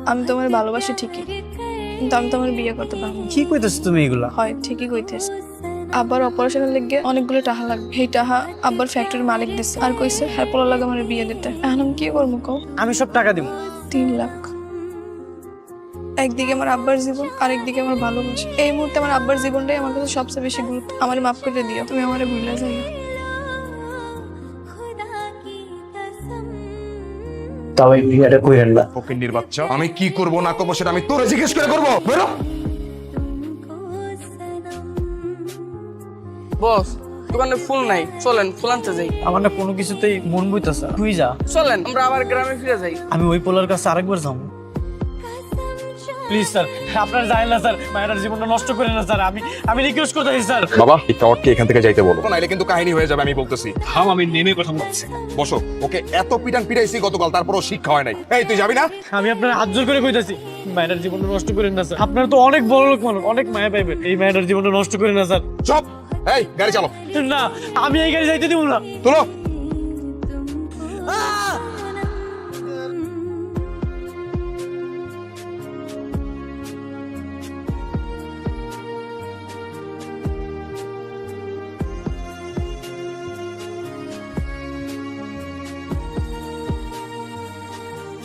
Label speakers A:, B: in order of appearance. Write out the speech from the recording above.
A: আমি তোমার ভালোবাসি ঠিকই, কিন্তু আমি তোমার বিয়ে করতে পারবো না।
B: কি কইতেছ তুমি এগুলা?
A: হয় ঠিকই কইতেছ। আব্বার অপারেশনের লেগে অনেকগুলো টাকা লাগবে, সেই টাকা আব্বার ফ্যাক্টরির মালিক দিচ্ছে আর কইছে হ্যাঁ পোলা লাগে আমার বিয়ে দিতে। এখন আমি কি করবো কও?
B: আমি সব টাকা দিব।
A: 3 লাখ। একদিকে আমার আব্বার জীবন, আরেকদিকে আমার ভালোবাসা। এই মুহূর্তে আমার আব্বার জীবনটাই আমার কাছে সবচেয়ে বেশি গুরুত্ব। আমার মাফ করে দিও, তুমি আমারে ভুলে যাই।
B: তাও এই বিয়েটা কইরেন না।
C: ফকিন্নির বাচ্চা, আমি কি করব না করবো সেটা আমি তোরে জিজ্ঞেস করে করবো? বেরো।
D: বস, দোকানে ফুল নাই, চলেন ফুল আনতে যাই।
B: আমার না কোনো কিছুতেই মন বইতাছে। তুই যা,
D: চলেন আমরা আবার গ্রামে ফিরে যাই।
B: আমি ওই পোলার কাছে আরেকবার যাবো। প্লিজ স্যার, আপনার যাই না স্যার, মায়ের জীবনটা নষ্ট করেন না স্যার। আমি রিকোয়েস্ট করতেছি স্যার।
C: বাবা, এই টাওয়ারকে এখান থেকে যাইতে বলো, নাইলে কিন্তু কাহিনী হয়ে যাবে। আমি বলতেছি
B: থাম, আমি নেমে কথা বলছি।
C: বসো। ওকে এত পিটান পিটাইছি গতকাল, তারপরও শিক্ষা হয় নাই। এই তুই যাবি না?
B: আমি আপনার হাত জোর করে কইতাছি, মায়ের জীবনটা নষ্ট করেন না স্যার। আপনার তো অনেক বড় লোক মানুষ, অনেক মায়া পাইবেন। এই মায়ের জীবনটা নষ্ট করেন না স্যার।
C: চুপ। এই গাড়ি চালো।
B: না, আমি এই গাড়ি যাইতে দিব না।
C: তোলো।